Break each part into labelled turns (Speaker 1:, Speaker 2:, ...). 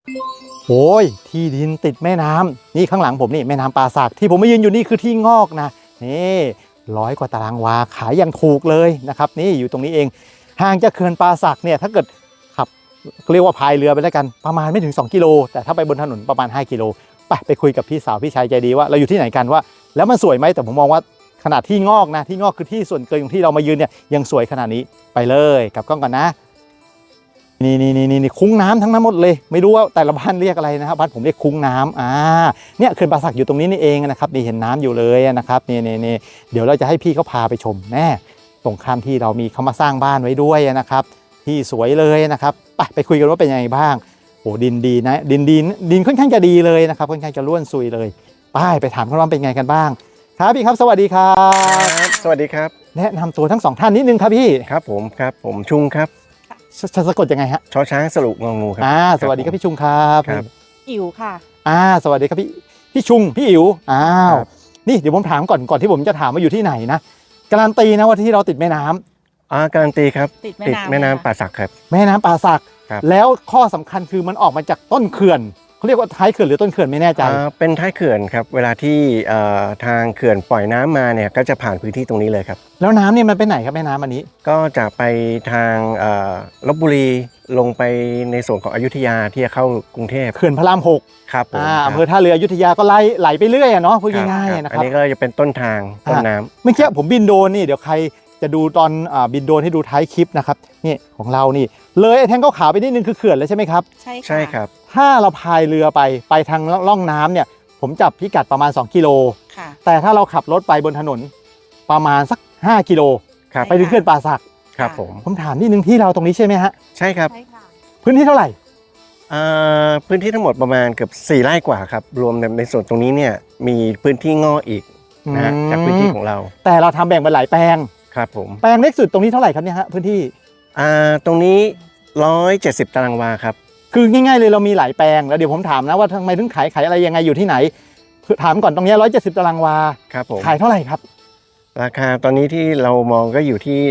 Speaker 1: โอ้ยที่ดินติดแม่น้ำนี่ข้างหลังผมนี่แม่น้ำป่าสักที่ผมมายืนอยู่นี่คือที่งอกนะนี่100 กว่าตารางวาขายอย่างถูกเลยนะครับนี่อยู่ตรงนี้เองห่างจากเขื่อนป่าสักเนี่ยถ้าเกิดขับเรียกว่าพายเรือไปแล้วกันประมาณไม่ถึง2 กิโลแต่ถ้าไปบนถนนประมาณ5 กิโลไปคุยกับพี่สาวพี่ชายใจดีว่าเราอยู่ที่ไหนกันว่าแล้วมันสวยไหมแต่ผมมองว่าขนาดที่งอกนะที่งอกคือที่ส่วนเกินของที่เรามายืนเนี่ยยังสวยขนาดนี้ไปเลยกลับกล้องก่อนนะนี่คุ้งน้ำทั้งนั้นหมดเลยไม่รู้ว่าแต่ละบ้านเรียกอะไรนะครับบ้านผมเรียกคุ้งน้ำเนี่ยเขื่อนป่าสักอยู่ตรงนี้นี่เองนะครับนี่เห็นน้ำอยู่เลยนะครับนี่เดี๋ยวเราจะให้พี่เขาพาไปชมแน่ตรงข้ามที่เรามีเขามาสร้างบ้านไว้ด้วยนะครับที่สวยเลยนะครับไปคุยกันว่าเป็นยังไงบ้างโอ้ดินดีนะดินค่อนข้างจะดีเลยนะครับค่อนข้างจะร่วนซุยเลยไปถามเขาว่าเป็นไงกันบ้างครับพี่ครับสวัสดีครับ
Speaker 2: สวัสดีครับ
Speaker 1: แนะนำตัวทั้ง2 ท่านนิดนึงครับพี่
Speaker 2: ครับผมชุงครับ
Speaker 1: สะกดยังไงฮะ
Speaker 2: ชอช้างสรุปงองูครับ
Speaker 1: สวัสดีครับพี่ชุงครับ
Speaker 3: อิ๋วค่ะ
Speaker 1: สวัสดีครับพี่ชุงพี่อิ๋วนี่เดี๋ยวผมถามก่อนที่ผมจะถามว่าอยู่ที่ไหนนะการันตีนะว่าที่เราติดแม่น้ำ
Speaker 2: การันตีครับ
Speaker 3: ติด
Speaker 2: แม่น้ำป่าสักครับ
Speaker 1: แม่น้ำป่าสักแล้วข้อสำคัญคือมันออกมาจากต้นเขื่อนเขาเรียกว่าท้ายเขื่อนหรือต้นเขื่อนไม่แน่ใจ
Speaker 2: เป็นท้ายเขื่อนครับเวลาที่ทางเขื่อนปล่อยน้ำมาเนี่ยก็จะผ่านพื้นที่ตรงนี้เลยครับ
Speaker 1: แล้วน้ำเนี่ยมันไปไหนครับแม่น้ำอันนี้
Speaker 2: ก็จะไปทางลพบุรีลงไปในส่วนของอยุธยาที่จะเข้ากรุงเทพ
Speaker 1: เขื่อนพระราม6
Speaker 2: ครับ
Speaker 1: อำเภอท่าเรืออยุธยาก็ไหลไปเรื่อยเนาะพูดง่ายๆนะครับ
Speaker 2: อันนี้ก็จะเป็นต้นทางต้นน้ำ
Speaker 1: เมื่อกี้ผมบินโดรนนี่เดี๋ยวใครจะดูตอนบินโดรนให้ดูท้ายคลิปนะครับนี่ของเรานี่เลยไอ้แท่งขาวๆไปนิดนึงคือเขื่อนแล้วใช่ไหมครับ
Speaker 2: ใช่ครับ
Speaker 1: ถ้าเราพายเรือไปทางล่องน้ำเนี่ยผมจับพิกัดประมาณ2 กิโลแต่ถ้าเราขับรถไปบนถนนประมาณสัก5 กิโลไปถึงเขื่อนป่าสัก
Speaker 2: ครับ
Speaker 1: ผมถามนิดนึงที่เราตรงนี้ใช่ไหมฮะ
Speaker 2: ใช่ครับ
Speaker 1: พื้นที่เท่าไหร่
Speaker 2: พื้นที่ทั้งหมดประมาณเกือบ4 ไร่กว่าครับรวมในส่วนตรงนี้เนี่ยมีพื้นที่งออีกนะฮะจากพื้นที่ของเรา
Speaker 1: แต่เราทำแบ่งเป็นหลายแปลง
Speaker 2: ครับผม
Speaker 1: แปลงเล็กสุดตรงนี้เท่าไหร่ครับเนี่ยฮะพื้นที่
Speaker 2: ตรงนี้170 ตารางวาครับ
Speaker 1: คือง่ายๆเลยเรามีหลายแปลงแล้วเดี๋ยวผมถามนะว่าทำไมถึงขายอะไรยังไงอยู่ที่ไหนถามก่อนตรงนี้170 ตารางวา
Speaker 2: ครับผม
Speaker 1: ขายเท่าไหร่ครับ
Speaker 2: ราคาตอนนี้ที่เรามองก็อยู่ที่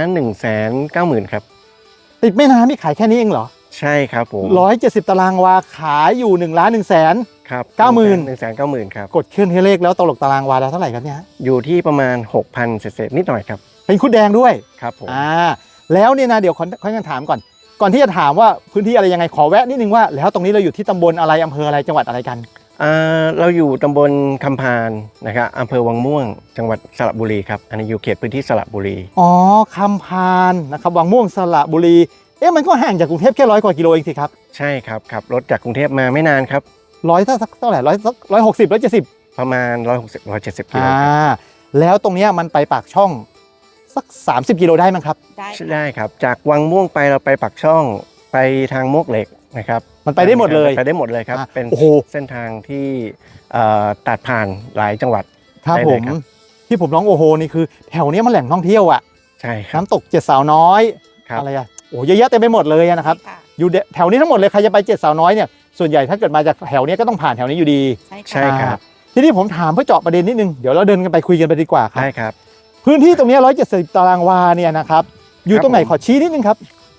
Speaker 2: 1,190,000ครับ
Speaker 1: ติดแม่น้ำนี่ขายแค่นี้เองเหรอ
Speaker 2: ใช่ครับผม
Speaker 1: 170 ตารางวาขายอยู่1,190,000
Speaker 2: ครับ1,190,000ครับ
Speaker 1: กดเครื่องเลขแล้วตกตารางวาแล้วเท่าไหร่ครับเนี่ย
Speaker 2: อยู่ที่ประมาณ 6,000 เศษนิดหน่อยครับ
Speaker 1: เป็นคุดแดงด้วย
Speaker 2: ครับผม
Speaker 1: แล้วเนี่ยนะเดี๋ยวค่อยถามก่อนที่จะถามว่าพื้นที่อะไรยังไงขอแวะนิดนึงว่าแล้วตรงนี้เราอยู่ที่ตำบลอะไรอำเภออะไรจังหวัดอะไรกัน
Speaker 2: เราอยู่ตำบลคำพานนะครับอำเภอวังม่วงจังหวัดสระบุรีครับอันนี้อยู่เขตพื้นที่สระบุรี
Speaker 1: คำพานนะครับวังม่วงสระบุรีมันก็ห่างจากกรุงเทพแค่100 กว่ากิโลเองสิครับ
Speaker 2: ใช่ครับขับรถจากกรุงเทพมาไม่นานครับ
Speaker 1: เท่าไหร่160 170
Speaker 2: ประมาณ160 170 กิโล
Speaker 1: แล้วตรงนี้มันไปปากช่องสัก30 กิโลได้มั้งครับ
Speaker 2: ได้ครับจากวังม่วงไปเราไปปากช่องไปทางมวกเหล็กนะครับ
Speaker 1: มันไปได้หมดเลย
Speaker 2: ครับเป็นเส้นทางที่ตัดผ่านหลายจังหวัด
Speaker 1: ครับผมที่ผมร้องโอโหนี่คือแถวนี้มันแหล่งท่องเที่ยว
Speaker 2: ใช่ครับ
Speaker 1: น้ำตก7 สาวน้อยอะไรเยอะแยะเต็มไปหมดเลยนะครับอยู่แถวนี้ทั้งหมดเลยใครจะไป7 สาวน้อยเนี่ยส่วนใหญ่ถ้าเกิดมาจากแถวนี้ก็ต้องผ่านแถวนี้อยู่ดี
Speaker 2: ใช่ครับ
Speaker 1: ทีนี้ผมถามเพื่อเจาะประเด็นนิดนึงเดี๋ยวเราเดินกันไปคุยกันไปดีกว่าครับ
Speaker 2: ได้ครับ
Speaker 1: พื้นที่ตรงนี้170 ตารางวาเนี่ยนะครับอยู่ตรงไหนขอชี้นิดนึงครับ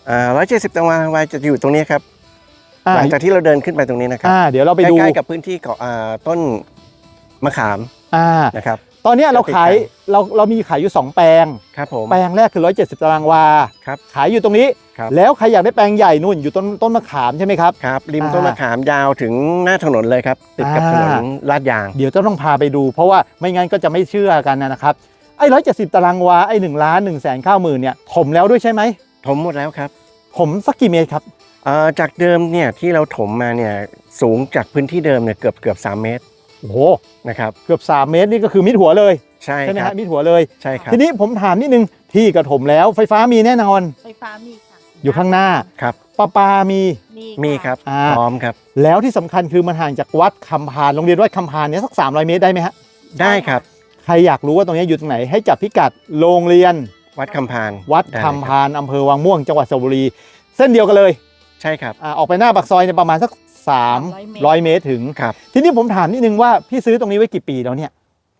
Speaker 2: 170 ตารางวาจะอยู่ตรงนี้ครับหลังจากที่เราเดินขึ้นไปตรงนี้นะครับ
Speaker 1: เดี๋ยวเราไปดู
Speaker 2: ใกล้ๆกับพื้นที่ของต้นมะขามนะครับ
Speaker 1: ตอนนี้เรามีขายอยู่2 แปลง
Speaker 2: ครับผม
Speaker 1: แปลงแรกคือ170 ตารางวา
Speaker 2: ครับ
Speaker 1: ขายอยู่ตรงนี้แล้วใครอยากได้แปลงใหญ่นู่นอยู่ต้นมะขามใช่ไหมครับ
Speaker 2: ครับริมต้นมะขามยาวถึงหน้าถนนเลยครับติดกับถนนลาดยาง
Speaker 1: เดี๋ยวจะต้องพาไปดูเพราะว่าไม่งั้นก็จะไม่เชื่อกันนะครับไอ้170 ตารางวาไอ้1,190,000เนี่ยถมแล้วด้วยใช่ไหม
Speaker 2: ถมหมดแล้วครับ
Speaker 1: ถมสักกี่เมตรครับ
Speaker 2: จากเดิมเนี่ยที่เราถมมาเนี่ยสูงจากพื้นที่เดิมเนี่ยเกือบ3 เมตร
Speaker 1: โอ้โห
Speaker 2: นะครับ
Speaker 1: เกือบ3 เมตรนี่ก็คือมิดหัวเลย
Speaker 2: ใช่
Speaker 1: ไหมฮะมิดหัวเลย
Speaker 2: ใช่ครับ
Speaker 1: ทีนี้ผมถามนิดนึงที่กระถมแล้วไฟฟ้ามีแน่นอน
Speaker 3: ไฟฟ้ามีค่ะ
Speaker 1: อยู่ข้างหน้า
Speaker 2: ครับ
Speaker 1: ประปา
Speaker 2: มีครับพร้อมครับ
Speaker 1: แล้วที่สำคัญคือมันห่างจากวัดคำพานโรงเรียนวัดคำพานเนี่ยสัก300 เมตรได้ไหมฮะ
Speaker 2: ได้ครับ
Speaker 1: ใครอยากรู้ว่าตรงนี้อยู่ตรงไหนให้จับพิกัดโรงเรียน
Speaker 2: วัดคำพาน
Speaker 1: อำเภอวังม่วงจังหวัดสระบุรีเส้นเดียวกันเลย
Speaker 2: ใช่ครับ
Speaker 1: ออกไปหน้าปากซอยเนี่ยประมาณสัก300 เมตรถึง
Speaker 2: ครับ
Speaker 1: ทีนี้ผมถามนิดนึงว่าพี่ซื้อตรงนี้ไว้กี่ปีแล้วเนี่ย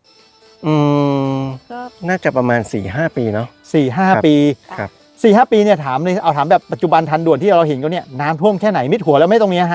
Speaker 3: ก็
Speaker 2: น่าจะประมาณ 4-5 ปีเนาะ
Speaker 1: 4-5 ปี
Speaker 2: ครับ
Speaker 1: 4-5 ปีเนี่ยถามเลยเอาถามแบบปัจจุบันทันด่วนที่เราเห็นก็เนี่ยน้ำท่วมแค่ไหนมิดหัวแล้วไม่ตรงนี้ฮะ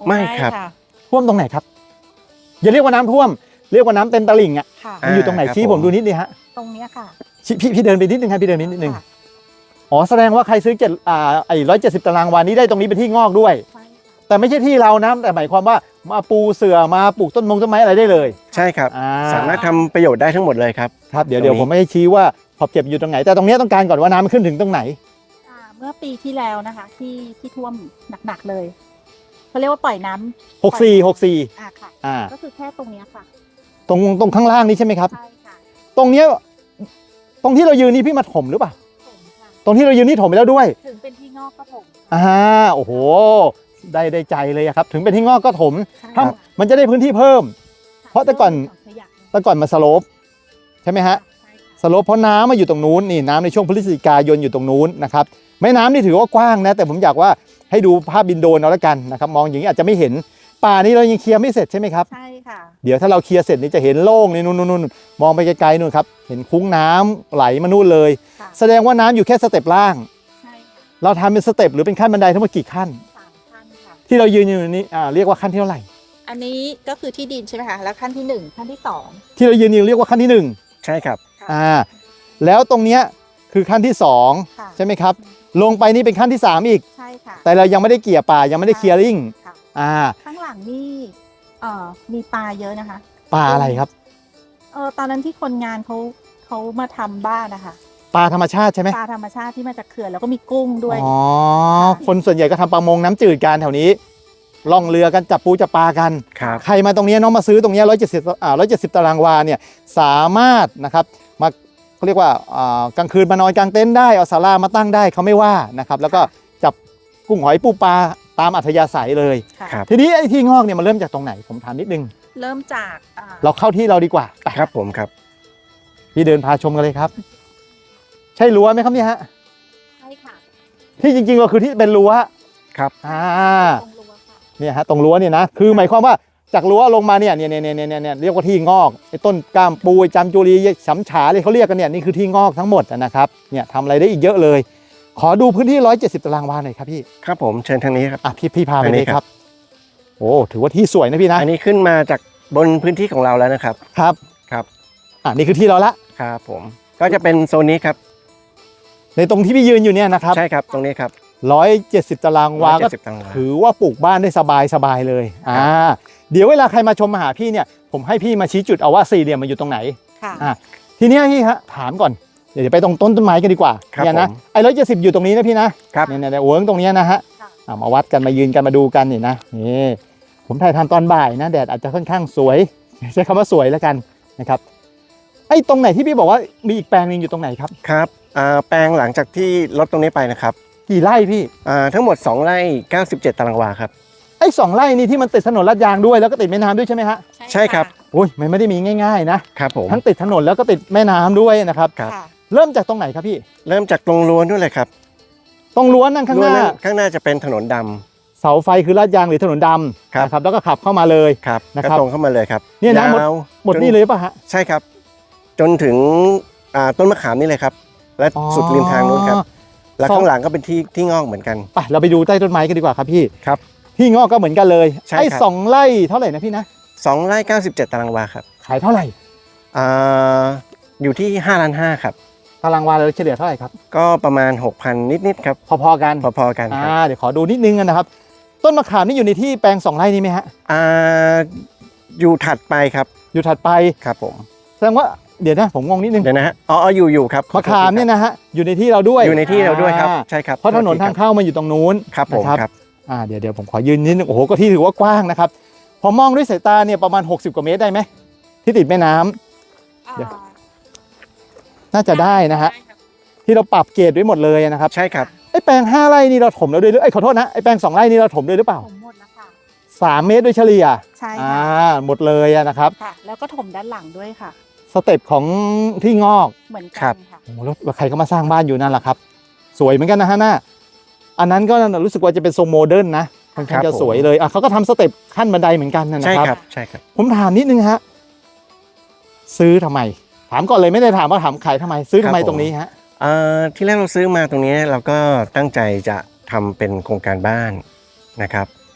Speaker 2: ไม่ครับ
Speaker 3: ค่ะ
Speaker 1: ท่วมตรงไหนครับอย่าเรียกว่าน้ำท่วมเรียกว่าน้ำเต็มตลิ่งอ่ะ
Speaker 3: ค่ะ
Speaker 1: มันอยู่ตรงไหน
Speaker 2: ครับ
Speaker 1: ชี้
Speaker 2: ผม
Speaker 1: ผมดูนิดนึงฮะ
Speaker 3: ตรงเนี้ยค่ะ
Speaker 1: พี่เดินไปนิดนึงครับพี่เดินไปนิดนึง
Speaker 3: ค่ะ
Speaker 1: อ๋อแสดงว่าใครซื้อไอ้170 ตารางวานี้ได้ตรงนี้เป็นที่งอกด้วย
Speaker 3: ใช่ค่ะ
Speaker 1: แต่ไม่ใช่ที่เรานะแต่หมายความว่ามาปูเสื่อมาปลูกต้นไม้อะไรได้เลย
Speaker 2: ใช่ครับ
Speaker 1: อ่า
Speaker 2: สามารถทำประโยชน์ได้ทั้งหมดเลยครับ
Speaker 1: ครับเดี๋ยว
Speaker 2: ตรงนี้
Speaker 1: ผมไม่ให้ชี้ว่าขอบเขตอยู่ตรงไหน แต่ตรงเนี้ยต้องการก่อนว่าน้ำมันขึ้นถึงตรงไหน
Speaker 3: เมื่อปีที่แล้วนะคะ ที่ท่วมหนักๆเลยเขาเรียกว่าปล่อยน้ำ
Speaker 1: 64
Speaker 3: ค่ะ
Speaker 1: อ่า
Speaker 3: ก็คือแค่ตรงเนี้ยค่ะ
Speaker 1: ตรงข้างล่างนี้ใช่ไหมครับ
Speaker 3: ใช่ค่ะ
Speaker 1: ตรงเนี้ยตรงที่เรายืนนี่พี่มาถมหรือเปล่า
Speaker 3: ถมค่ะ
Speaker 1: ตรงที่เรายืนนี่ถมไปแล้วด้วย
Speaker 3: ถึงเป็นที่งอกก็ถม
Speaker 1: โอ้โหได้ใจเลยอะครับถึงเป็นที่งอกก็ถม
Speaker 3: ใช่
Speaker 1: ถ้า
Speaker 3: ค่ะ
Speaker 1: มันจะได้พื้นที่เพิ่ม เพราะแต่ก่อน
Speaker 3: ขยะ
Speaker 1: แต่ก่อนมาสโลปใช่ไหมฮะ
Speaker 3: ใช่ค่ะ
Speaker 1: สโลปเพราะน้ำมาอยู่ตรงนู้นนี่น้ำในช่วงพฤศจิกายนอยู่ตรงนู้นนะครับแม่น้ำนี่ถือว่ากว้างนะแต่ผมอยากว่าให้ดูภาพบินโดรนเอาละกันนะครับมองอย่างนี้อาจจะไม่เห็นป่านี้เรายังเคลียร์ไม่เสร็จใช่ไหมครับ
Speaker 3: ใช่ค่ะ
Speaker 1: เดี๋ยวถ้าเราเคลียร์เสร็จนี่จะเห็นโล่งนี่นู่นมองไปไกลๆนู่นครับเห็นคุ้งน้ำไหลมานู่นเลย
Speaker 3: ค่ะ
Speaker 1: แสดงว่าน้ำอยู่แค่สเต็ปล่าง
Speaker 3: ใช่ค่ะ
Speaker 1: เราทำเป็นสเต็ปหรือเป็นขั้นบันไดทั้งหมดกี่ขั้น
Speaker 3: 3 ขั้นค่ะ
Speaker 1: ที่เรายืนอยู่นี้เรียกว่าขั้นที่เท่าไหร่
Speaker 3: อันนี้ก็คือที่ดินใช่ไหมคะ แล้วขั้นที่ 1 ขั้นที่ 2
Speaker 1: ที่เรายืนอยู่เรียกว่าขั้นที่หนึ่ง
Speaker 2: ใช่ครับ
Speaker 1: แล้วตรงเนี้ยคือขั้นที่สอง
Speaker 3: ค่ะ
Speaker 1: ใช่ไหมครับลงไปนี่เป็นขั้นที่สามอีก
Speaker 3: ใช่ค่ะ
Speaker 1: แต่เรายังไม่ได้เกี่ยป่ายังไม่ได้เคลียร์ริ่ง
Speaker 3: ค่ะ ข้างหลังนี่มีปลาเยอะนะคะ
Speaker 1: ป่าอะไรครับ
Speaker 3: ตอนนั้นที่คนงานเขามาทำบ้านนะคะ
Speaker 1: ปลาธรรมชาติใช่ไหม
Speaker 3: ปลาธรรมชาติที่มาจากเขื่อนแล้วก็มีกุ้งด้วย
Speaker 1: อ๋อ
Speaker 3: ค่ะ
Speaker 1: คนส่วนใหญ่ก็ทำประมงน้ำจืดกันแถวนี้ล่องเรือกันจับปูจับปลากัน
Speaker 2: ครับ
Speaker 1: ใครมาตรงเนี้ยน้องมาซื้อตรงเนี้ย170 ตารางวาเนี่ยสามารถนะครับมาเขาเรียกว่ากลางคืนมานอนกลางเต็นท์ได้เอาศาลามาตั้งได้เขาไม่ว่านะครับแล้วก็จับกุ้งหอยปูปลาตามอัธยาศัยเลย
Speaker 3: ค่ะ
Speaker 2: ครับ
Speaker 1: ทีนี้ไอ้ที่งอกเนี่ยมันเริ่มจากตรงไหนผมถามนิดนึง
Speaker 3: เริ่มจาก
Speaker 1: เราเข้าที่เราดีกว่าไป
Speaker 2: ครับผมครับ
Speaker 1: พี่เดินพาชมกันเลยครับ ใช่รั้วไหมครับเนี่ยฮะ
Speaker 3: ใช่ค่ะ
Speaker 1: ที่จริงๆเราคือที่เป็นรั้ว
Speaker 2: ครับ
Speaker 3: ตรงรั้วค่ะ
Speaker 1: เนี่ยฮะตรงรั้วเนี่ยนะคือหมายความว่าจากรั้วลงมาเนี่ยเรียกว่าที่งอกไอ้ต้นกล้ามปูไอ้จำจุรีฉำฉาเลยเขาเรียกกันเนี่ยนี่คือที่งอกทั้งหมดนะครับเนี่ยทำอะไรได้อีกเยอะเลย ขอดูพื้นที่170 ตารางวาหน่อยครับพี่
Speaker 2: ครับผมเชิญทางนี้ครับ
Speaker 1: พี่พาไป
Speaker 2: อัน
Speaker 1: เล
Speaker 2: นี้
Speaker 1: ย
Speaker 2: ครับ
Speaker 1: ครับโอ้ถือว่าที่สวยนะพี่นะ
Speaker 2: อันนี้ขึ้นมาจากบนพื้นที่ของเราแล้วนะครับ
Speaker 1: ครับ
Speaker 2: ครับ
Speaker 1: นี่คือที่เราละ
Speaker 2: ครับผมก็จะเป็นโซนนี้ครับ
Speaker 1: ในตรงที่พี่ยืนอยู่เนี่ยนะครับ
Speaker 2: ใช่ครับตรงนี้ครับ
Speaker 1: 170 ตารางวาก็
Speaker 2: 170ตารางวา
Speaker 1: ถือว่าปลูกบ้านได้สบายเลยเดี๋ยวเวลาใครมาชมมาหาพี่เนี่ยผมให้พี่มาชี้จุดเอาว่าสี่เหลี่ยมมันอยู่ตรงไหน
Speaker 3: ค่ะ
Speaker 1: ทีเนี้ยพี่ฮะถามก่อนเดี๋ยวไปตรงต้นไม้กันดีกว่า
Speaker 2: ครับ
Speaker 1: เนี่ยนะ
Speaker 2: ผม
Speaker 1: ไอ้170อยู่ตรงนี้นะพี่นะครับ เนี่ยเวิร์กตรงเนี้ยนะฮะ
Speaker 3: ค่ะ
Speaker 1: มาวัดกันมายืนกันมาดูกันนี่นะนี่ผมถ่ายทำตอนบ่ายนะแดดอาจจะค่อนข้างสวยใช้คำว่าสวยแล้วกันนะครับไอ้ตรงไหนที่พี่บอกว่ามีอีกแปลงหนึงอยู่ตรงไหนครับ
Speaker 2: ครับแปลงหลังจากที่ลดตรงนี้ไปนะครับ
Speaker 1: กี่ไร่พี่
Speaker 2: ทั้งหมด2ไร่97 ตารางวาครับ
Speaker 1: ไอ้2 ไร่นี่ที่มันติดถนนลาดยางด้วยแล้วก็ติดแม่น้ำด้วยใช่ไหมฮะ
Speaker 2: ใช่ครับ
Speaker 1: โอ้ยมันไม่ได้มีง่ายๆนะครับ
Speaker 2: ผม
Speaker 1: ทั้งติดถนนแล้วก็ติดแม่น้ำด้วยนะครับ
Speaker 2: ครับ
Speaker 3: ค่ะ
Speaker 1: เริ่มจากตรงไหนครับพี่
Speaker 2: เริ่มจากตรงรั้วนู่นเลยครับ
Speaker 1: ตรงรั้วนั่งข้างหน้า
Speaker 2: รั้วข้างหน้าจะเป็นถนนดำ
Speaker 1: เสาไฟคือลาดยางหรือถนนดำ
Speaker 2: ครับ
Speaker 1: นะครับแล้วก็ขับเข้ามาเลย
Speaker 2: ครับ
Speaker 1: นะครับ
Speaker 2: ก็ตรงเข้ามาเลยครับ
Speaker 1: เนี่ยนะ
Speaker 2: ยาว
Speaker 1: หมด
Speaker 2: จ
Speaker 1: นี่เลยป่ะฮะ
Speaker 2: ใช่ครับ จนถึงต้นมะขามนี่เลยครับ และสุดริมทางนู้นครับ แล้วข้างหลังก็เป็นที่งอกเหมือนกัน
Speaker 1: ไปเราไปดูใต้ต้นไม้กันดีกว่าครับพี่
Speaker 2: ครับ
Speaker 1: ที่งอกก็เหมือนกันเลย
Speaker 2: ใช่
Speaker 1: ไอ้
Speaker 2: ครับ
Speaker 1: 2 ไร่เท่าไหร่นะพี่นะ
Speaker 2: 2ไร่97 ตารางวาครับ
Speaker 1: ขายเท่าไหร่
Speaker 2: อยู่ที่5 ล้าน 5ครับ
Speaker 1: ตารางวาเราเฉลี่ยเท่าไหร่ครับ
Speaker 2: ก็ประมาณ 6,000 นิดๆครับ
Speaker 1: พอๆกัน
Speaker 2: พอๆกันครับ
Speaker 1: เดี๋ยวขอดูนิดนึงนะครับ ต้นมะขามนี่อยู่ในที่แปลง2 ไร่นี้ไหมฮะ
Speaker 2: อยู่ถัดไปครับ
Speaker 1: อยู่ถัดไป
Speaker 2: ครับผม
Speaker 1: แสดงว่าเดี๋ยวนะผมงงนิดนึง
Speaker 2: เดี๋ยวนะฮะอยู่ครับ
Speaker 1: มะขามเนี่ยนะฮะอยู่ในที่เราด้วย
Speaker 2: อยู่ในที่เราด้วยครับ
Speaker 1: อ่
Speaker 2: ใช่ครับ
Speaker 1: เพราะถนนทางเข้ามันอยู่ตรงนู้น
Speaker 2: ครับผม
Speaker 1: นะครับ เดี๋ยวผมขอยืนนิดนึงโอ้โหก็ที่ถือว่ากว้างนะครับพอมองด้วยสายตาเนี่ยประมาณ60 กว่าเมตรได้ไหมที่ติดแม่น้ำ เดี๋ยว น่าจะได้นะฮะที่เราปรับเกรดไว้หมดเลยนะครับ
Speaker 2: ใช่ครับ
Speaker 1: ไอ้แปลง5 ไร่นี่เราถมแล้วด้วยหรือไอ้ยขอโทษนะไอ้แปลง2 ไร่นี่เราถมด้วยหรือเปล่า
Speaker 3: ถมหมดแล้วค่ะ
Speaker 1: 3 เมตรโดยเฉลี่ย
Speaker 3: ใช่ค่ะ
Speaker 1: หมดเลยนะครับ
Speaker 3: ค่ะ แล้วก็ถมด้านหลังด้วยค่ะ
Speaker 1: สเต็ปของที่งอก
Speaker 3: เหมือน
Speaker 2: ครั
Speaker 3: กับ นค่ะ
Speaker 1: โอ้โหแล้วใครก็มาสร้างบ้านอยู่นั่นแหละครับ สวยเหมือนกันนะฮะหน้าอันนั้นก็รู้สึกว่าจะเป็นทรงโมเดิร์นนะค่อนข้างจะสวยเลยเขาก็ทำสเต็ปขั้นบันไดเหมือนกันนะ
Speaker 2: ใช่
Speaker 1: ครับ
Speaker 2: ครับใช่ครับ
Speaker 1: ผมถามนิดนึงฮะซื้อทำไมถามก่อนเลยไม่ได้ถามว่าถามขายทำไมซื้อทำไมตรงนี้ฮะ
Speaker 2: ที่แรกเราซื้อมาตรงนี้เราก็ตั้งใจจะทำเป็นโครงการบ้านนะครับ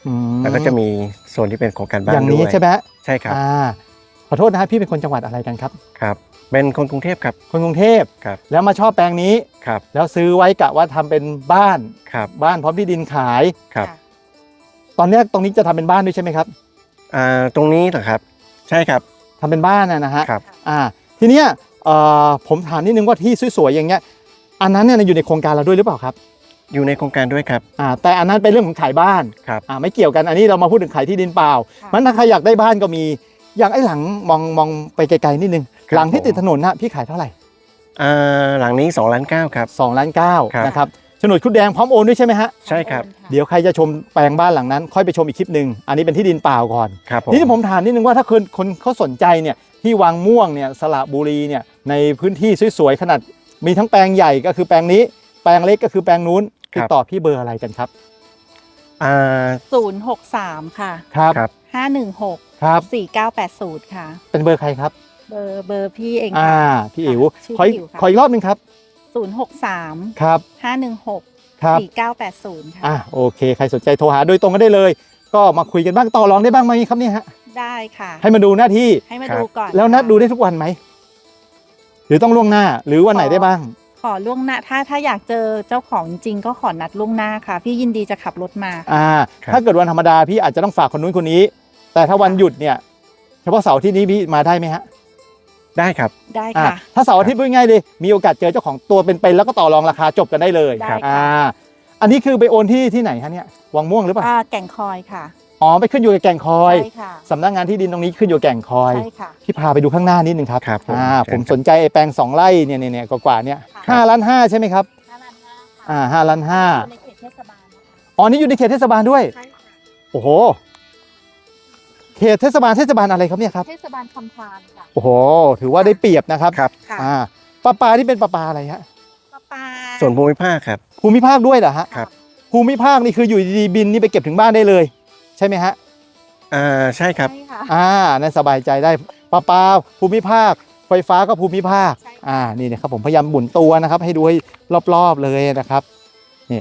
Speaker 1: ม
Speaker 2: แล้วก็จะมีโซนที่เป็นโครงการบ้าน
Speaker 1: อย่างนี้
Speaker 2: ด้วย
Speaker 1: ใช่ไหม
Speaker 2: ใช่ครับ
Speaker 1: ขอโทษนะฮะพี่เป็นคนจังหวัดอะไรกันครับ
Speaker 2: ครับเป็นคนกรุงเทพครับ
Speaker 1: คนกรุงเทพ
Speaker 2: ครับ
Speaker 1: แล้วมาชอบแปลงนี้
Speaker 2: ครับ
Speaker 1: แล้วซื้อไว้กะว่าทำเป็นบ้าน
Speaker 2: ครับ
Speaker 1: บ้านพร้อมที่ดินขาย
Speaker 2: ครับ
Speaker 1: ตอนเนี้ยตรงนี้จะทำเป็นบ้านด้วยใช่ไหมครับ
Speaker 2: ตรงนี้เหรอครับใช่ครับ
Speaker 1: ทำเป็นบ้านนะฮะ
Speaker 2: ครับ
Speaker 1: ทีเนี้ยผมถามนิดนึงว่าที่สวยๆอย่างเงี้ยอันนั้นเนี่ยอยู่ในโครงการเราด้วยหรือเปล่าครับ
Speaker 2: อยู่ในโครงการด้วยครับ
Speaker 1: แต่อันนั้นเป็นเรื่องของขายบ้าน
Speaker 2: ครับ
Speaker 1: ไม่เกี่ยวกันอันนี้เรามาพูดถึงขายที่ดินเปล่า
Speaker 3: ค่ะ
Speaker 1: มันถ้าใครอยากได้บ้านก็มีอย่างไอ้หลังมองไปไกลๆนิดนึง
Speaker 2: ครับ
Speaker 1: หลังที่
Speaker 2: ผม
Speaker 1: ติดถนนนะพี่ขายเท่าไหร่
Speaker 2: หลังนี้2.9 ล้านครับ
Speaker 1: 2.9 ล้าน
Speaker 2: ครับ
Speaker 1: นะครับโฉนดคุดแดงพร้อมโอนด้วยใช่ไหมฮะ
Speaker 2: ใช่ครับ
Speaker 1: เดี๋ยวใครจะชมแปลงบ้านหลังนั้น ค่อยไปชมอีกคลิปหนึ่งอันนี้เป็นที่ดินเปล่าก่อน
Speaker 2: ครับผม
Speaker 1: นี่ผมถามนิดนึงว่าถ้าคนเขาสนใจเนี่ยที่วังม่วงเนี่ยสระบุรีเนี่ยในพื้นที่สวยๆขนาดมีทั้งแปลงใหญ่ก็คือแปลงนี้แปลงเล็กก็คือแปลงนู้นติดต่อพี่เบอร์อะไรกันครับ
Speaker 3: 063 ค่ะ
Speaker 1: ครับ
Speaker 2: ครับ
Speaker 3: 516
Speaker 1: ครับ
Speaker 3: 4980 ค่ะ
Speaker 1: เป็นเบอร์ใครครับ
Speaker 3: เบอร์พี่เอง
Speaker 1: อ่า
Speaker 3: ค่ะ
Speaker 1: พี่อิ๋ว
Speaker 3: ชื่อ
Speaker 1: ขออีก
Speaker 3: พี่อิ๋วค่ะ
Speaker 1: ขออีกรอบหนึงครับ
Speaker 3: 063
Speaker 1: ครับ
Speaker 3: 516
Speaker 1: ครับ
Speaker 3: 4980 ค่ะ
Speaker 1: โอเคใครสนใจโทรหาโดยตรงก็ได้เลย ก็มาคุยกันบ้างต่อรองได้บ้างไหมครับเนี่ยฮะ
Speaker 3: ได้ค่ะ
Speaker 1: ให้มาดูหน้าที่
Speaker 3: ให้มา
Speaker 2: ครับ
Speaker 3: ดูก่อน
Speaker 1: แล้วนัด
Speaker 3: ค่ะ
Speaker 1: ดูได้ทุกวันไหมหรือต้องล่วงหน้าหรือวันไหนได้บ้าง
Speaker 3: ขอล่วงหน้าถ้าอยากเจอเจ้าของจริงก็ขอนัดล่วงหน้าค่ะ พี่ยินดีจะขับรถมา
Speaker 2: ครับ
Speaker 1: ถ้าเกิดวันธรรมดาพี่อาจจะต้องฝากคนนู้นคนนี้ แต่ถ้าวันหยุดเนี่ยเฉพาะเสาร์อาที่นี้พี่มาได้ไหมฮะ
Speaker 2: ได้ครับ
Speaker 3: ได้
Speaker 1: อ่า
Speaker 3: ค่ะ
Speaker 1: ถ้าเสาร์อาทิตย์พูดง่ายๆเลยมีโอกาสเจอเจ้าของตัวเป็นๆแล้วก็ต่อรองราคาจบกันได้เลย
Speaker 3: ได้ค่ะ
Speaker 1: อันนี้คือไปโอนที่ไหนฮะเนี่ยวังม่วงหรือเปล่า
Speaker 3: แก่งคอยค่ะ
Speaker 1: อ๋อไปขึ้นอยู่กับแก่งคอย
Speaker 3: ใช่ค่ะ
Speaker 1: สำนักงานที่ดินตรงนี้ขึ้นอยู่กับแก่งคอย
Speaker 3: ใช่ค่ะ
Speaker 1: พี่พาไปดูข้างหน้านิดนึงครับ
Speaker 2: ครับผม
Speaker 1: ผมสนใจไอ้แปลง2 ไร่เนี่ยกว่าๆเนี่ย
Speaker 3: ค่ะ
Speaker 1: 5.5 ล้านใช่ไหมครับ
Speaker 3: 5 ล้าน5ค่ะ
Speaker 1: 5.5 ล้าน
Speaker 3: อยู่ในเขตเทศบาลนะคะ
Speaker 1: อ๋อนี่อยู่ในเขตเทศบาลด้วย
Speaker 3: ใช่ค่ะ
Speaker 1: โอ้โหเขตเทศบาลอะไรครับเนี่ยครับ
Speaker 3: เทศบาลคำพานค่ะ
Speaker 1: โอ้โหถือว่าได้เปรียบนะครับ
Speaker 2: ครับ
Speaker 3: ค่ะ
Speaker 1: ปลาที่เป็นปลาอะไรฮะ
Speaker 3: ปลา
Speaker 2: ส่วนภูมิภาคครับ
Speaker 1: ภูมิภาคด้วยเหรอฮะ
Speaker 2: ครับ
Speaker 1: ภูมิภาคนี่คืออยู่ดีๆบินนี่ไปเก็บถึงบ้านได้เลย ใช่ไหมฮะ
Speaker 2: ใช่ครับ
Speaker 3: ใช่ค่ะ
Speaker 1: นั่นสบายใจได้ปลาภูมิภาค ไฟฟ้าก็ภูมิภาค
Speaker 3: ใช่ค่ะ
Speaker 1: นี่นะครับผมพยายามหมุนตัวนะครับ ให้ดูให้รอบๆเลยนะครับนี่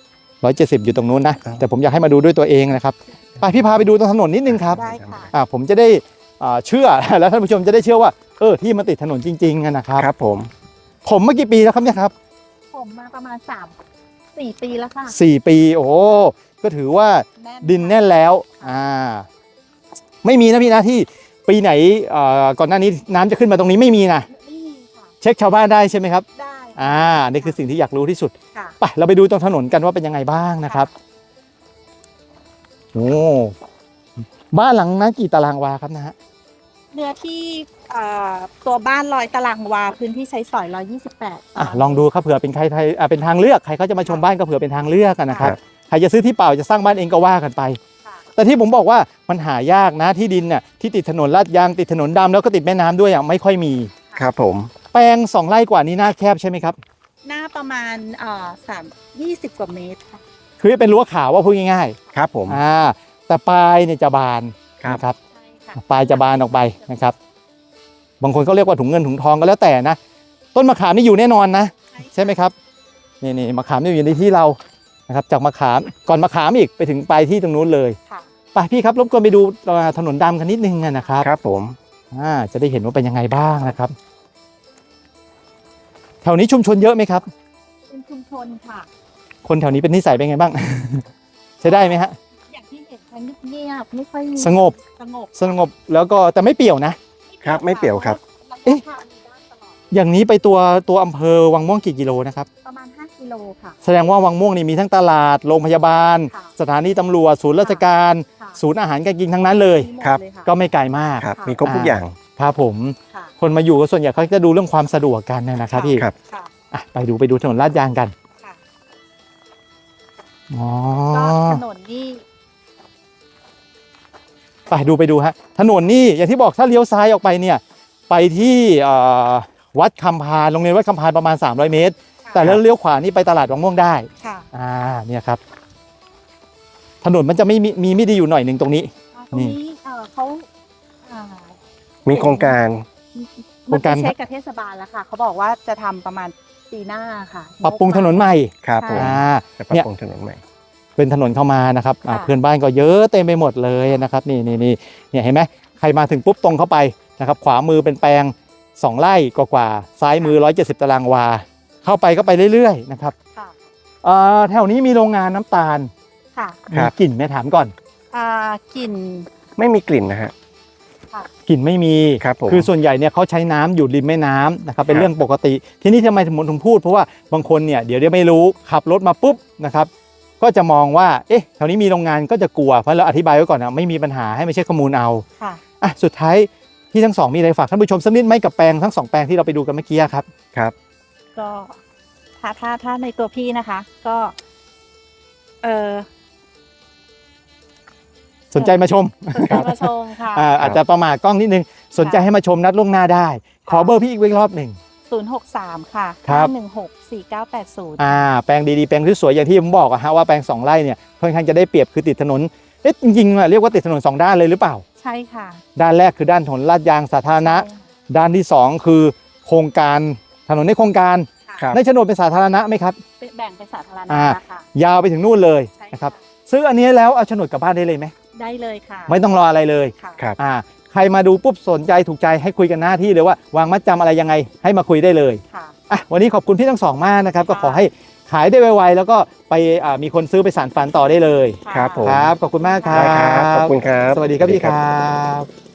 Speaker 1: 170อยู่ตรงนู้นนะ
Speaker 2: ครับ
Speaker 1: แต่ผมอยากให้มาดูด้วยตัวเองนะครับไปพี่พาไปดูตรงถนนนิดนึงครับ
Speaker 3: ได้ค่ะ
Speaker 1: ผมจะได้เชื่อ แล้วท่านผู้ชมจะได้เชื่อว่าที่มันติดถนนจริงๆนะครับ
Speaker 2: ครับผม
Speaker 1: ผมเมื่อกี่ปีแล้วครับเนี่ยครับ
Speaker 3: ผมมาประมาณ4 ปีแล้วค่ะ
Speaker 1: 4 ปี โอ้โหก็ถือว่า
Speaker 3: แน่น
Speaker 1: ดินแน่นแล้วไม่มีนะพี่นะที่ปีไหนก่อนหน้านี้น้ำจะขึ้นมาตรงนี้ไม่มีนะ
Speaker 3: ไม่มีค่ะ
Speaker 1: เช็คชาวบ้านได้ใช่ไหมครับ
Speaker 3: ได้
Speaker 1: นี่คือสิ่งที่อยากรู้ที่สุด
Speaker 3: ค่ะ
Speaker 1: ไปเราไปดูตรงถนนกันว่าเป็นยังไงบ้างนะครับโอ้บ้านหลังนั้นกี่ตารางวาครับนะฮะ
Speaker 3: เนื้อที่ตัวบ้าน100 ตารางวาพื้นที่ใช้สอย128
Speaker 1: ลองดูครับเผื่อเป็นใครเป็นทางเลือกใครเขาจะมาชมบ้านก็เผื่อเป็นทางเลือกกันนะครับ
Speaker 2: ครับ
Speaker 1: ใครจะซื้อที่เปล่าจะสร้างบ้านเองก็ว่ากันไป
Speaker 3: ค่ะ
Speaker 1: แต่ที่ผมบอกว่ามันหายากนะที่ดินน่ะที่ติดถนนลาดยางติดถนนดำแล้วก็ติดแม่น้ำด้วยไม่ค่อยมี
Speaker 2: ครับผม
Speaker 1: แปลง2 ไร่กว่านี้หน้าแคบใช่ไหมครับ
Speaker 3: หน้าประมาณ20 กว่าเมตรค่ะ
Speaker 1: คือเป็นรั้วขาวว่าพูดง่าย
Speaker 2: ครับผม
Speaker 1: ๆแต่ปลายเนี่ยจะบาน
Speaker 2: ครับ
Speaker 1: นะครับ
Speaker 3: ใช่ค่ะ
Speaker 1: ปลายจะบานออกไปนะครับ บางคนเขาเรียกว่าถุงเงินถุงทองก็แล้วแต่นะ ต้นมะขามนี่อยู่แน่นอนนะ ใช่ไหมครับนี่มะขามนี่อยู่ในที่เรานะครับ จากมะขามก่อนมะขามอีกไปถึงปลายที่ตรงนู้นเลย
Speaker 3: ค่ะ
Speaker 1: ไปพี่ครับรบกวนไปดูถนนดำกันนิดนึงนะครับ
Speaker 2: ครับผม
Speaker 1: จะได้เห็นว่าเป็นยังไงบ้างนะครับ แถวนี้ชุมชนเยอะไหมครับ
Speaker 3: เป็นชุมชนค่ะ
Speaker 1: คนแถวนี้เป็นนิสัยเป็นไงบ้าง ใช้ได้ไหมฮะ
Speaker 3: อย่างที่เห็นค่ะเงียบๆไม่ค่อย
Speaker 1: สงบ สงบแล้วก็แต่ไม่เปี่ยวนะ
Speaker 2: ครับไม่เปลี่ยวครับ
Speaker 3: เอ๊ะทางมีด้านตลอด
Speaker 1: อย่างนี้ไปตัวอำเภอวังม่วงกี่กิโลนะครับ
Speaker 3: ประมาณ5 กิโลค่ะ
Speaker 1: แสดงว่าวังม่วงนี่มีทั้งตลาดโรงพยาบาล
Speaker 3: ค่ะ
Speaker 1: สถานีตำรวจศูนย์ราชการ
Speaker 3: ค่ะ
Speaker 1: ศูนย์อาหารการกินทั้งนั้นเลย
Speaker 3: มีหมด
Speaker 2: ครับ
Speaker 3: เลยค่ะ
Speaker 1: ก็ไม่ไกลมาก
Speaker 2: ครับ มีครบทุกอย่าง
Speaker 1: ครับผม
Speaker 3: ค่ะ
Speaker 1: คนมาอยู่ก็ส่วนใหญ่เขาจะดูเรื่องความสะดวกกันนะครับพี่
Speaker 2: ครับ
Speaker 3: ค่ะ
Speaker 1: ไปดูถนนลาดยางกัน
Speaker 3: ค่ะ
Speaker 1: อ๋อ
Speaker 3: ก็ถนนนี่
Speaker 1: ไปดูฮะถนนนี่อย่างที่บอกถ้าเลี้ยวซ้ายออกไปเนี่ยไปที่วัดคำพานโรงเรียนวัดคำพานประมาณ300 เมตร แต่แล้วเลี้ยวขวานี่ไปตลาดวังม่วงได้
Speaker 3: ค่ะ
Speaker 1: เนี่ยครับถนนมันจะไม่ดีอยู่หน่อยหนึ่งตรงนี้
Speaker 3: ตรงนี้เขาอ่า
Speaker 2: มีโครงการ
Speaker 1: โครงการ
Speaker 3: มันไปเช็คกับเทศบาลแล้วค่ะ เขาบอกว่าจะทำประมาณปีหน้าค่ะ
Speaker 1: ปรับปรุงถนนใหม่
Speaker 2: ครับผม
Speaker 1: อ่า
Speaker 2: จะปรับ
Speaker 1: เนี่ย
Speaker 2: ปรุงถนนใหม่
Speaker 1: เป็นถนนเข้ามานะครับ
Speaker 3: ค่ะ
Speaker 1: เพื่อนบ้านก็เยอะเต็มไปหมดเลยนะครับนี่เนี่ยเห็นไหมใครมาถึงปุ๊บตรงเข้าไปนะครับขวามือเป็นแปลง2 ไร่กว่าๆซ้ายมือ170 ตารางวาเข้าไปก็ไปเรื่อยๆนะครับ
Speaker 3: ค่ะ
Speaker 1: แถวนี้มีโรงงานน้ำตาล
Speaker 3: ค่ะ
Speaker 1: มีกลิ่นไหมถามก่อน
Speaker 3: กลิ่น
Speaker 2: ไม่มีกลิ่นนะฮะ
Speaker 3: ค่ะ
Speaker 1: กลิ่นไม่มี
Speaker 2: ครับผม
Speaker 1: คือส่วนใหญ่เนี่ยเขาใช้น้ำอยู่ริมแม่น้ำนะครับเป็น
Speaker 2: ครับ
Speaker 1: เรื่องปกติ ที่นี่ทำไมถึงพูดเพราะว่าบางคนเนี่ยเดี๋ยวไม่รู้ขับรถมาปุ๊บนะครับก็จะมองว่าเอ๊ะแถวนี้มีโรงงานก็จะกลัวเพราะเราอธิบายไว้ก่อนนะไม่มีปัญหาให้ไม่ใช่ข้อมูลเอา
Speaker 3: ค่ะ
Speaker 1: สุดท้ายที่ทั้งสองมีอะไรฝากท่านผู้ชมสักนิดไหมกับแปลงทั้ง2 แปลงที่เราไปดูกันเมื่อกี้ครับ
Speaker 2: ครับ
Speaker 3: ก็ถ้าในตัวพี่นะคะ ก็
Speaker 1: สนใจมาชม
Speaker 3: สนใจมาชมค่ะ
Speaker 1: อาจจะประมาทกล้องนิดนึงสนใจให้มาชมนัดล่วงหน้าได้ ขอเบอร์พี่อีกรอบหนึ่ง
Speaker 3: 063 ค่ะ
Speaker 1: ครับ
Speaker 3: 516 4980
Speaker 1: แปลงดีๆแปลงที่สวยอย่างที่ผมบอกอะฮะว่าแปลง2 ไร่เนี่ยค่อนข้างจะได้เปรียบคือติดถนนจริงๆเรียกว่าติดถนน2 ด้านเลยหรือเปล่า
Speaker 3: ใช่ค่ะ
Speaker 1: ด้านแรกคือด้านถนนลาดยางสาธารณะ
Speaker 3: ใช่ค่ะ
Speaker 1: ด้านที่ 2 คือโครงการถนนในโครงการ
Speaker 2: ครับ
Speaker 1: ในโฉนดเป็นสาธารณะไหมครับ
Speaker 3: แบ่งเป็นสาธารณะ
Speaker 1: อ่า
Speaker 3: นะคะ
Speaker 1: ยาวไปถึงนู่นเลย
Speaker 3: ใช่
Speaker 1: นะครับซื้ออันนี้แล้วเอาโฉนดกลับบ้านได้เลยไหม
Speaker 3: ได้เลยค่ะ
Speaker 1: ไม่ต้องรออะไรเลย
Speaker 3: ค่ะ
Speaker 2: ครับ
Speaker 1: ใครมาดูปุ๊บสนใจถูกใจให้คุยกันหน้าที่เลยว่าวางมัดจำอะไรยังไงให้มาคุยได้เลย
Speaker 3: ค่ะ
Speaker 1: วันนี้ขอบคุณพี่ทั้งสองมากนะครับก็
Speaker 3: ค่ะ
Speaker 1: ขอให้ขายได้ไวๆแล้วก็ไปมีคนซื้อไปสานฝันต่อได้เลย
Speaker 2: ครับผม
Speaker 1: ครับขอบคุณมากครั
Speaker 2: ได้ครับ
Speaker 1: บ
Speaker 2: ขอบคุณครับ
Speaker 1: สวัสดีครับพี่ครับ